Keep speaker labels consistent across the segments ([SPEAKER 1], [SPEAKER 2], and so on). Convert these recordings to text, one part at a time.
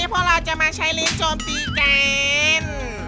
[SPEAKER 1] พวกเราจะมาใช้ลิ้นโจมตีกัน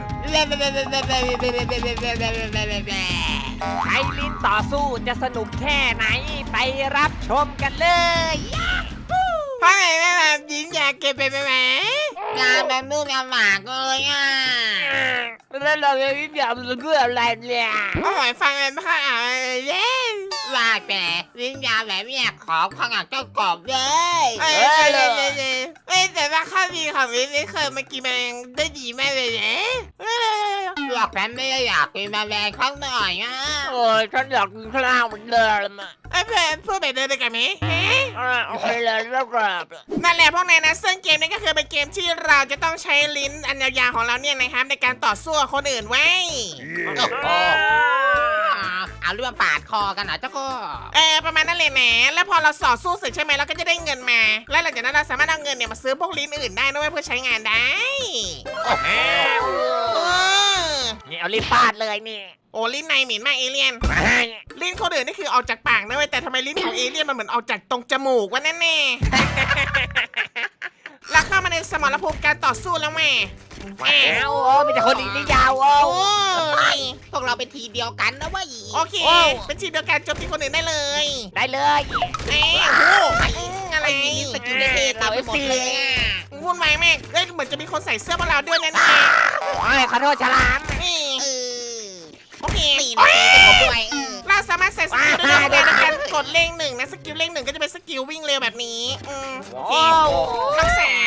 [SPEAKER 2] ใช้ลิ้นต่อสู้จะสนุกแค่ไหนไปรับชมกันเลย
[SPEAKER 1] เพราะไงแม่แบบยิงอยากเก็บไปไหม
[SPEAKER 3] งานแบบนู่นงานหมากเลยอ่ะ
[SPEAKER 2] แล้วเราจะวิ่งแบบเพื่ออะไรเนี่ย
[SPEAKER 1] โอ้ยฟังเลยไม่ค่อยอ่านเล่น
[SPEAKER 3] ว่าแต่ลิ้นยาวแบบเนี้ยขอข้างหลังเจ้ากรอบเลย
[SPEAKER 1] แต่ว่าข้อดีของลิ้นนี่เคยมากินแมลงได้ดีมากเลยเนี่ย
[SPEAKER 3] หลอกแฟนไม่ได้อยากกินแมลงข้างหน่อยอ่ะ
[SPEAKER 2] โอ้ยฉันอยากกินข้าวเหมือนเดิมอ่ะ
[SPEAKER 1] เพื่อนพูดแบบเดิมเลยกันไหม
[SPEAKER 2] โอเคเลยแล้วครับ
[SPEAKER 1] นั่นแหละพวกนายนะซึ่งเกมนี้ก็คือเป็นเกมที่เราจะต้องใช้ลิ้นอันยาวๆของเราเนี่ยนะครับในการต่อสู้กับคนอื่นไว้
[SPEAKER 3] เอาเรื่องปาดคอกันเหรอเจ้าก็
[SPEAKER 1] ประมาณนั้นเลยนะแล้วพอเราต่อสู้เสร็จใช่ไหมเราก็จะได้เงินมา แล้วหลังจากนั้นเราสามารถเอาเงินเนี่ยมาซื้อพวกลิ้นอื่นได้ด้วยเพื่อใช้งานได้
[SPEAKER 2] นี่เอาลิ้นฟาดเลยนี่
[SPEAKER 1] โอ้ลิ้นในเหม็นมากเอเลี่ยนลิ้นคนอื่นนี่คือออกจากปากนะเว้ยแต่ทำไมลิ้นของเอเลี่ยนมันเหมือนออกจากตรงจมูกวะแน่ๆแล้วเข้ามาในสมรภูมิการต่อสู้แล้วแม่
[SPEAKER 2] โอ้มีแต่คนลิ้นยาวโอ้
[SPEAKER 1] โอ้นี่
[SPEAKER 3] พวกเราเป็นทีมเดียวกันนะเว้ย
[SPEAKER 1] โอเคเป็นทีมเดียวกันโจมตีคนอื่นได้เลย
[SPEAKER 2] ได้เลย
[SPEAKER 1] โอ้โหอะไร
[SPEAKER 3] ไอ้นี่สกิลเท่ๆเต็มไปหมดเลยอ่ะ
[SPEAKER 1] วุ่นวายมากเหมือนจะมีคนใส่เสื้อพวกเราด้วยนะ
[SPEAKER 2] โอ้ยขอโทษฉลาม
[SPEAKER 1] นี่
[SPEAKER 3] เออ
[SPEAKER 1] โอเค
[SPEAKER 3] นี่นะเป็นผมด้วย
[SPEAKER 1] เราสามารถใส่สกิลได้ด้วยในการกดเลขหนึ่งนะสกิลเลขหนึ่งก็จะเป็นสกิลวิ่งเร็วแบบนี้โอเครักษา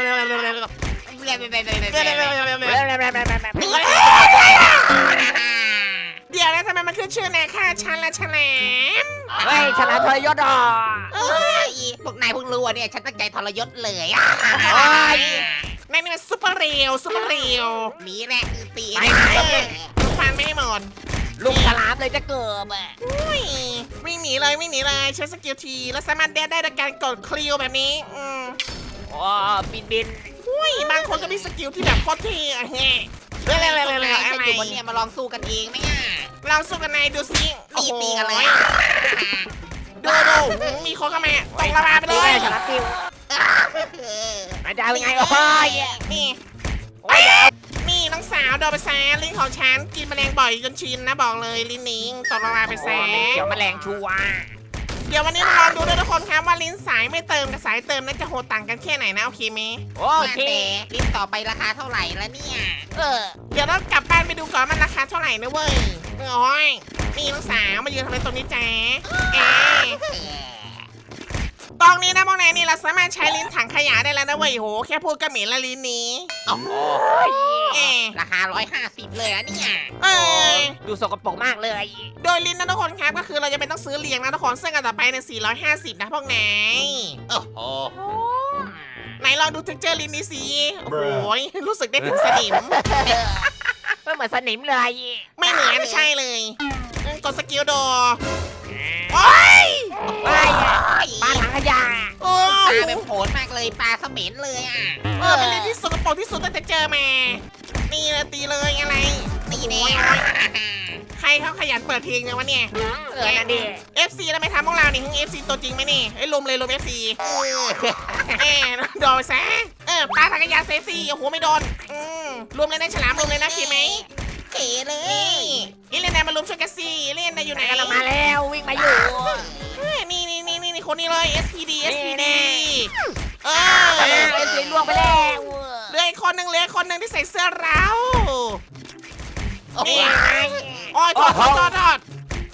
[SPEAKER 1] เดี๋ยวนะทำไมมันขึ้นชื่อนะค่ะชันละฉลาม
[SPEAKER 2] เฮ้ยฉลามทรยศอ่ะ
[SPEAKER 3] เอ้ยพวกนายเพิ่งรู้เนี่ยฉันตั้งใจทรยศเลยอ่ะ
[SPEAKER 1] นั่นนี่มันซุปเปอร์เรียวซุปเปอร์เรียว
[SPEAKER 3] นี่แหละคือตี
[SPEAKER 1] ฟันไม่ให้หมด
[SPEAKER 2] ลุงฉลามเลยจะเกิดอ่ะ
[SPEAKER 1] วิ่งหนีเลยใช้สกิลทีแล้วสามารถได้โดยการกดคลิวแบบนี้
[SPEAKER 2] โอ้บิน
[SPEAKER 1] บางคนก็มีสกิลที่แบบโคตรเท่อะแฮะเร็ว
[SPEAKER 3] ฉันอยู่บนเนี่ยมาลองสู้กันเองไหมอ่ะ
[SPEAKER 1] เราสู้กันนายดูสิ
[SPEAKER 3] ตีกันเลย
[SPEAKER 1] ดูมีคนเข้ามาตกละมาไปเลย
[SPEAKER 2] ฉลามติวอาจารย์เป็นไงโอ้ย
[SPEAKER 1] นี่
[SPEAKER 2] โอ้ย
[SPEAKER 1] นี่น้องสาวโดนไปแซะลิ้นของฉันกินแมลงบ่อยจนชินนะบอกเลยลิ้นนิงตกละมาไปแซะ
[SPEAKER 2] เดี๋ยวแมลงชัว
[SPEAKER 1] เดี๋ยววันนี้มาลองดูด้วยทุกคนครับว่าลิ้นสายไม่เติมกับสายเติมนั้นจะโหดต่างกันแค่ไหนนะโอเคไหม
[SPEAKER 2] โอเค
[SPEAKER 3] ลิ้นต่อไปราคาเท่าไหร่แล้วเนี่ย
[SPEAKER 1] เดี๋ยวเรากลับบ้านไปดูก่อนมันราคาเท่าไหร่นะเว้ยโอ้ยนี่น้องสาวมายืนทำอะไรตรงนี้แจ๊ตรงนี้นะพวกนายนี่เราสามารถใช้ลิ้นถังขยะได้แล้วนะเว้ยโหแค่พูดก็เหม็นละลิ้นนี้
[SPEAKER 3] โอ้โหราคา150เลยอะเนี่ย
[SPEAKER 2] ดูสกปรกมากเลย
[SPEAKER 1] โดยลิ้นนะทุกคนครับก็คือเราจะเป็นต้องซื้อเลี้ยงนะทุกคนซึ่งอันต่อไปใน450นะพวกนาย
[SPEAKER 3] โอ้โห
[SPEAKER 1] ไหนลองดูเท็กเจอร์ลิ้นนี้สิโอ้ยรู้สึกได้ถึงสนิม
[SPEAKER 2] ไม่เหมือนสนิมเลย
[SPEAKER 1] ไม่เหมือนใช่เลยกดสกิลโดโอ้ย
[SPEAKER 2] ไปปลาถังขยะ
[SPEAKER 1] โอ้
[SPEAKER 3] ปลาแบบโหดมากเลยปลาเขม็นเลยอ่ะ
[SPEAKER 1] เป็นลิ้นที่สกปรกที่สุดตั้งแต่เจอมานี่เลยตีเลยอะไร
[SPEAKER 3] นี่แน่
[SPEAKER 1] ใครเขาขยันเปิดเพลงเนี่ยวะเนี่ย
[SPEAKER 2] นั่นดิ
[SPEAKER 1] FC แล้วไม่ทำพวกเรานี่ทั้ง FC ตัวจริงไหมนี่ลุมเลยลุม FC โดนซะปลาทางกระยาเซซี่โอ้โหไม่โดนรวมเลยนะฉลามรวมเลยนะคิดไหม
[SPEAKER 3] เก๋เลย
[SPEAKER 1] นี่เล่นนายมารุมช่วยกันสิเล่นนายอยู่ไหน
[SPEAKER 2] กำลังมาแล้ววิ่งมาอยู่
[SPEAKER 1] นี่คนนี้เลย SPD
[SPEAKER 2] เอสีล่วงไปแล้ว
[SPEAKER 1] เหลืออีกคนหนึ่งที่ใส่เสื้อเรา
[SPEAKER 3] โอ้โห
[SPEAKER 1] โอ้ยทอดร่วง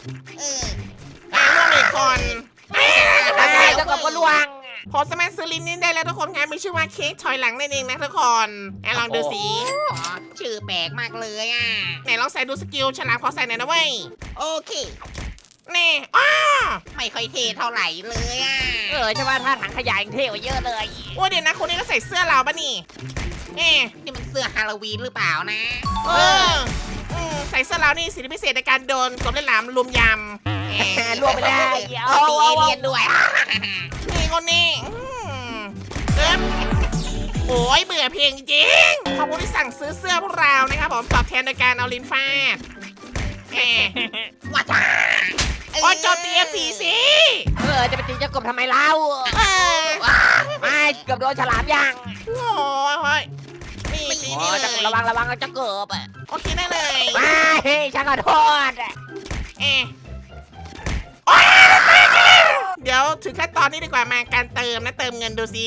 [SPEAKER 1] อีกคน
[SPEAKER 2] เจ้ากับก็ล่วง
[SPEAKER 1] พอสามารถซื้อลิ้นนี้ได้แล้วทุกคนครับมีชื่อว่าเค้กถอยหลังนั่นเองนะทุกคนลองดูสิ
[SPEAKER 3] ชื่อแปลกมากเลยอ่ะ
[SPEAKER 1] ไหนลองใส่ดูสกิลฉลามขอใส่หน่อยนะเว้ย
[SPEAKER 3] โอเค
[SPEAKER 1] นี่
[SPEAKER 3] ไม่ค่อยเท่เท่าไหร่เลยอ่ะ
[SPEAKER 2] ใช่ว่าถ้าถังขยะยังเท่กว่าเยอะเลย
[SPEAKER 1] ว่าเดี๋ยวนะคนนี้ก็ใส่เสื้อเราปะนี่
[SPEAKER 3] นี่มันเสื้อฮาโลวีนหรือเปล่านะ
[SPEAKER 1] ใส่เสื้อเรานี่สิทธิพิเศษในการโดนกบเล่นหลามลุมยำ
[SPEAKER 2] ล่วงไปแล้ว
[SPEAKER 3] ตีเอเลียนด้วย
[SPEAKER 1] นี่คนนี้โอ้ยเบื่อเพลงจริงขอบคุณที่สั่งซื้อเสื้อพวกเรานะครับผมตอบแทนโดยการเอาลิ้นฟาด
[SPEAKER 3] ว่าจ้า
[SPEAKER 1] โอ้ยโจมตีFCสิ
[SPEAKER 2] จะไปตีเจ้ากบทำไมเล่าไม่เกือบโดนฉลามยัง
[SPEAKER 1] โอ้นี่เลย
[SPEAKER 2] ระวังเราจะเกิบอ่ะ
[SPEAKER 1] โอเคได้เลย
[SPEAKER 2] ไม่ฉันขอโทษอ่ะ
[SPEAKER 1] เอะโอ๊ยเดี๋ยวถึงขั้นตอนนี้ดีกว่ามาการเติมนะเติมเงินดูสิ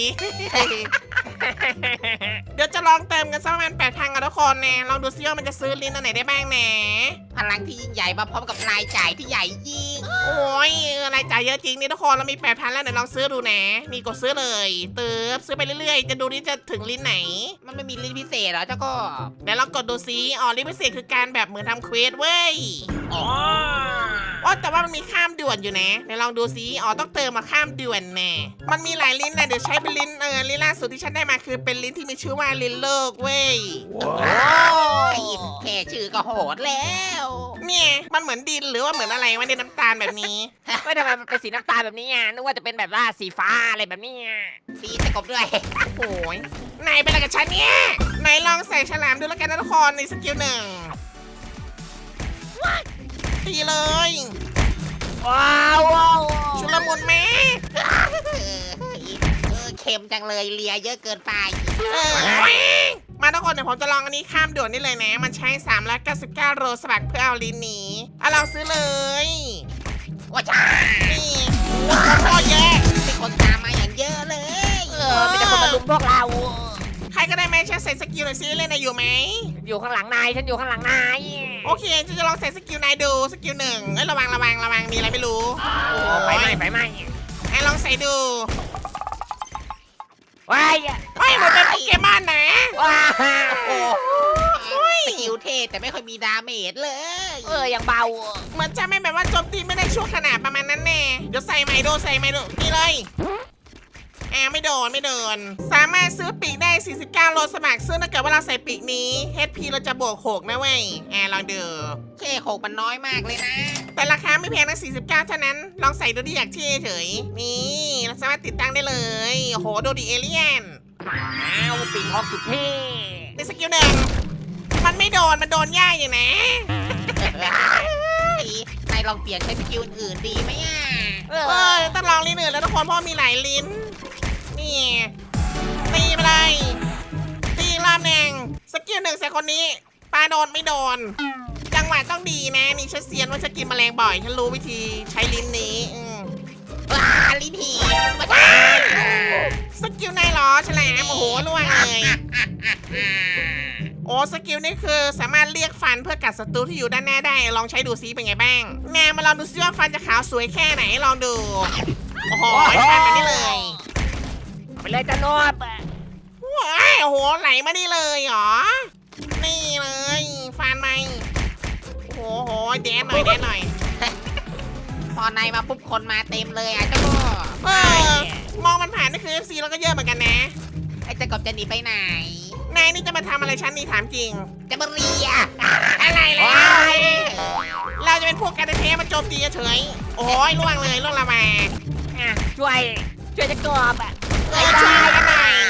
[SPEAKER 1] เดี๋ยวจะลองเติมกันสักประมาณ8,000กันทุกคนนะลองดูซิว่ามันจะซื้อลิ้นอันไหนได้บ้างนะ
[SPEAKER 3] พลังที่ยิ่งใหญ่มาพร้อมกับรายจ่ายที่ใหญ่ยิ่ง
[SPEAKER 1] โอ้ยรายจ่ายเยอะจริงนี่ทุกคนเรามี8,000แล้วเดี๋ยวลองซื้อดูนะนี่กดซื้อเลยเติมซื้อไปเรื่อยๆจะดูนี่จะถึงลิ้นไหน
[SPEAKER 3] มันไม่มีลิ้นพิเศษเหรอเจ้าก็
[SPEAKER 1] เดี๋ยวลองกดดูซิอ๋อลิ้นพิเศษคือการแบบเหมือนทำเควสเว้ย
[SPEAKER 3] อ๋อ
[SPEAKER 1] อ๋อแต่ว่ามันมีข้ามด่วนอยู่นะเดี๋ยวลองดูซิอ๋อต้องเติมมาข้ามด่วนแน่มันมีหลายลิ้นนะเดี๋ยวใช้เป็นลิ้นลิ้นล่าสุดที่ฉันได้มาคือเป็นลิ้นที่มีชื่อว่าลิ้นโลกเว้ย
[SPEAKER 3] แค่ชื่อก็โหดแล้ว
[SPEAKER 1] เนี่ยมันเหมือนดินหรือว่าเหมือนอะไรวะในน้ำตาลแบบนี้
[SPEAKER 2] ไม่ทำไมมันเป็นสีน้ำตาลแบบนี้อ่ะนึกว่าจะเป็นแบบว่าสีฟ้าอะไรแบบนี้อ่ะ
[SPEAKER 3] ตีจะกบด้วย
[SPEAKER 1] โอ้ยนายเป็นอะไรกับฉันเนี่ยนายลองใส่ฉลามดูแล้วกันนะทุกคนในสกิล1ตีเลย
[SPEAKER 2] ว้าว
[SPEAKER 1] ชุลมุนแม่
[SPEAKER 3] เค็มจังเลยเลียเยอะเกินไป
[SPEAKER 1] มาทุกคนเดี๋ยวผมจะลองอันนี้ข้ามด่วนนี่เลยนะมันใช้399โรสบักเพื่อเอาลิ้นหนีเอาลองซื้อเลย
[SPEAKER 3] ว่าจ้า
[SPEAKER 1] นี่โคตรเยอะ
[SPEAKER 3] มีคนตามมาอย่างเยอะเลย
[SPEAKER 2] มีแต่คนมาลุมพวกเรา
[SPEAKER 1] ใครก็ได้ไหมช่วยใส่สกิลหน่อยซิเล่นนายอยู่ไหม
[SPEAKER 2] อยู่ข้างหลังนายฉันอยู่ข้างหลังนาย
[SPEAKER 1] โอเคจะลองใส่สกิลนายดูสกิล1เอ้ยระวังมีอะไรไม่รู้
[SPEAKER 2] ไฟไหม้
[SPEAKER 1] ไอ้ลองใส่ดู
[SPEAKER 2] ว้าย
[SPEAKER 1] ไม่เหมือนเป็นโปเกมอนนะ
[SPEAKER 2] ว้า
[SPEAKER 3] โอ้สกิลเทแต่ไม่ค่อยมีดาเมจเลย
[SPEAKER 2] ยังเบา
[SPEAKER 1] เหมือนจะไม่แบบว่าโจมตีไม่ได้ชั่วขนาดประมาณนั้นแน่เดี๋ยวใส่ไมโดนี่เลยไม่โดนสามารถซื้อปีกได้49โลสมัครซึ่งถ้าเกิดว่าเราใส่ปีกนี้ HP เราจะบวก6นะเว้ยลองดู
[SPEAKER 3] แค่โขกมันน้อยมากเลยนะ
[SPEAKER 1] แต่ราคาไม่แพงนะ49เท่านั้นลองใส่ดูดิอยากเท่เฉยนี่เราสามารถติดตั้งได้เลยโอ้โหดูดิเอเลี่ยน
[SPEAKER 2] ปีกทองสุดเท่
[SPEAKER 1] ในสกิล1มันไม่โดนมันโดนยากอยู่นะ
[SPEAKER 3] นายลองเปลี่ยนใช้สกิลอื่นดีไหมอ่ะ
[SPEAKER 1] ต้องลองลิ้นอื่นแล้วทุกคนเพราะมีหลายลิ้นนี่ตีไปเลยตีอีกรอบหนึ่งสกิล1ใส่คนนี้ปลาโดนไม่โดน จังหวะต้องดีนะนี่ฉันเซียนว่าฉันกินแมลงบ่อยฉันรู้วิธีใช้ลิ้นนี้
[SPEAKER 3] ลิ้นหี
[SPEAKER 1] สกิลนายเหรอฉลามโอ้โหล่วงเลยโอ้สกิลนี่คือสามารถเรียกฟันเพื่อกัดศัตรูที่อยู่ด้านหน้าได้ลองใช้ดูซิเป็นไงบ้างแนวมาลองดูซิว่าฟันจะขาวสวยแค่ไหนลองดูโอ้โหฟันมานี่เลย
[SPEAKER 2] ไปเลยจะนวด
[SPEAKER 1] ว้ายโอ้โหไหลมานี่เลยเหรอนี่เลยฟันไหมโอ้โหแดนหน่อย
[SPEAKER 3] พอนายมาปุ๊บคนมาเต็มเลยอ่ะเจ้าก็
[SPEAKER 1] มองมันผ่านนี่คือ FC แล้วก็เยอะเหมือนกันนะ
[SPEAKER 3] ไอ้เจ้ากบจะหนีไปไหน
[SPEAKER 1] นายนี่จะมาทำอะไรฉันนี่ถามจริง
[SPEAKER 3] จะมาเรีย
[SPEAKER 1] อะไรแล้วเราจะเป็นพวกการเทมาโจมตีเฉยโอ้ยล่วงละมา
[SPEAKER 2] ช่วยจะกบอ่ะ
[SPEAKER 1] ช่วยกันหน่อย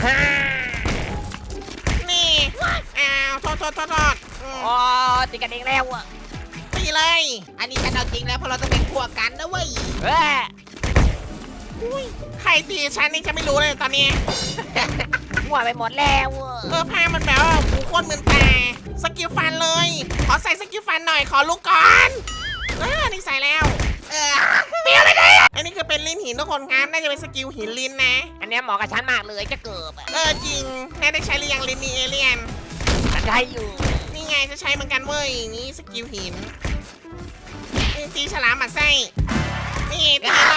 [SPEAKER 1] นี่อ้าวโทษ
[SPEAKER 2] อ๋อติดกันเองแล้วอ่ะ
[SPEAKER 1] ตีเลย
[SPEAKER 3] อันนี้ฉันเอาจริงแล้วเพราะเราต้องเป็นพวกกันนะเว้ย
[SPEAKER 1] ใครตีฉันนี่จะไม่รู้เลยตอนนี้
[SPEAKER 2] หัวไปหมดแล้ว
[SPEAKER 1] ผ้ามันแบบว่าหูโคตรมึนตาสกิลฟันเลยขอใส่สกิลฟันหน่อยขอลุกก่อนนี่ใส่แล้วเปรี้ยวไปเลยอันนี้คือเป็นลิ้นหินทุกคนครับน่าจะเป็นสกิลหินลิ้นนะ
[SPEAKER 2] อันนี้เหมาะกับฉันมากเลยจะเกิบอ่ะ
[SPEAKER 1] จริงแน่ได้ใช้หรือยังลิ้นมีเอเลียน
[SPEAKER 2] ฉันใช้อยู่
[SPEAKER 1] นี่ไงจะใช้เหมือนกันเว้ยนี่สกิลหินนี่ตีฉลามหมัดไส้นี่ตีเลย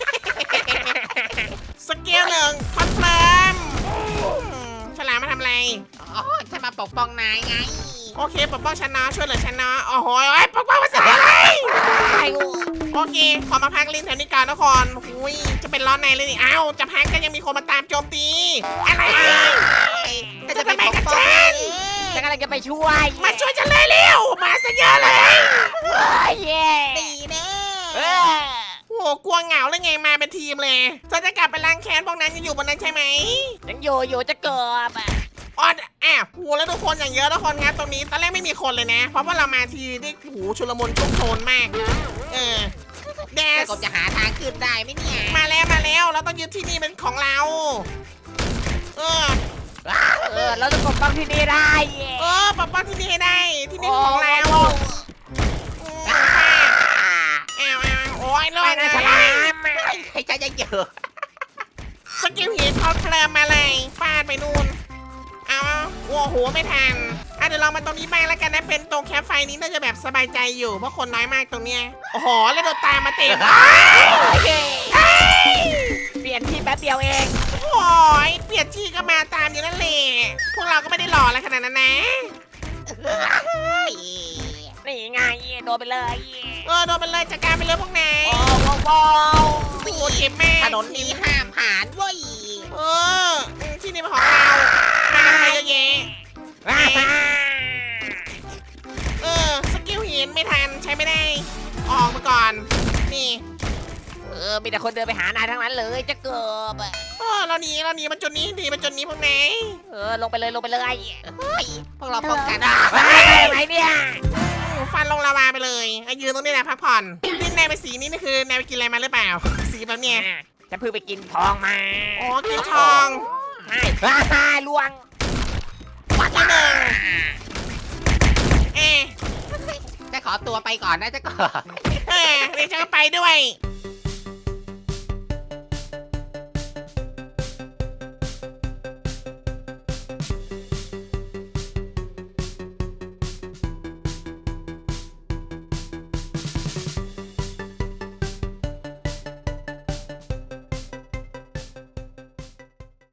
[SPEAKER 1] สกิล1คอนเฟิร์มฉลามมาทำอะไร
[SPEAKER 3] อ๋อฉันมาปกป้องนายไง
[SPEAKER 1] โอเคปกป้องฉันเนาะช่วยเหลือฉันเนาะโอ้โหปกป้องภาษาอะไรโอเคขอมาพักลิ้นแถวนี้ก่อนทุกคนอุ้ยจะเป็นร้อนในเลยนี่อ้าวจะพักก็ยังมีคนมาตามโจมตีอะไรจะทำไมกับฉัน
[SPEAKER 2] ฉันกำลังจะไปช่วย
[SPEAKER 1] มาช่วยฉันเลยเร็วมาซะเยอะเลย
[SPEAKER 2] เย่
[SPEAKER 3] ดีเน่
[SPEAKER 1] โอ้กลัวเหงาเลยไงมาเป็นทีมเลยเธอจะกลับไปล้างแค้นพวกนั้นยังอยู่บนนั้นใช่ไหม
[SPEAKER 2] ยังอยู่จะเกิบอ่ะ
[SPEAKER 1] อ๋อโหแล้วทุกคนอย่างเยอะทุกคนครับตรงนี้ตอนแรกไม่มีคนเลยนะ เพราะว่าเรามาทีนี่หูชุลมุนชุกโชนมากแด
[SPEAKER 3] เจ้า
[SPEAKER 1] ส
[SPEAKER 3] กบจะหาทางขึ้นได้ไหมเนี่ย
[SPEAKER 1] มาแล้วเราต้องยึดที่นี่เป็นของเรา
[SPEAKER 2] เราจะกบป้ององที่นี่ได้
[SPEAKER 1] ปกป้องที่นี่ให้ได้ที่นี่ของเราโอ้ยรอ
[SPEAKER 2] ไป
[SPEAKER 1] ด
[SPEAKER 2] นะฉ
[SPEAKER 1] เล
[SPEAKER 2] ลาย ม
[SPEAKER 3] ใครจะยังเจอ
[SPEAKER 1] สกิลหินเขาเคลิมมาเลยฟาดไปนู่นเอาโอ้โหไม่ทันเดี๋ยวเรามาตรงนี้บ้างแล้วกันนะเป็นตรงแคมป์ไฟนี้น่าจะแบบสบายใจอยู่เพราะคนน้อยมากตรงเนี้ยโอ้โหแล้วโดนตามมาเต็ม
[SPEAKER 2] เปลี่ยนที่แป๊บเดียวเอง
[SPEAKER 1] โอ้ยเปลี่ยนที่ก็มาตามอยู่นั่นแหละพวกเราก็ไม่ได้หล่ออะไรขนาดนั้นนะ
[SPEAKER 2] นี่ไงโดนไปเลย
[SPEAKER 1] โดนไปเลยจัดการไปเลยพวกนาย
[SPEAKER 2] โอ้โห
[SPEAKER 1] โอ้โหเจ็บมาก
[SPEAKER 3] ถนนนี้ห้ามผ่านเว้ย
[SPEAKER 1] ที่นี่เป็นของเรามากันไปเยอะแยะสกิลหินไม่ทันใช้ไม่ได้ ออกมาก่อน นี่
[SPEAKER 2] มีแต่คนเดินไปหานายทั้งนั้นเลยจะเกิบ
[SPEAKER 1] เราหนีมาจนนี้ดีมาจนนี้พวกนาย
[SPEAKER 2] ลงไปเลย
[SPEAKER 3] เฮ้ยพวกเราป้องกัน
[SPEAKER 2] ไหนเนี่ย
[SPEAKER 1] ฟันลงลาวาไปเลยยืนตรงนี้แหละพักผ่อนที่นายไปสีนี้นี่คือนายไปกินอะไรมาหรือเปล่า สีแบบเนี้ย
[SPEAKER 2] จะเพิ่งไปกินทองมา
[SPEAKER 1] กินทอง
[SPEAKER 2] ใช่ลวง
[SPEAKER 1] วัดที่หนึ่ง
[SPEAKER 3] จะขอตัวไปก่อนนะจะก่อน
[SPEAKER 1] เดี๋ยวฉันก็ไปด้วย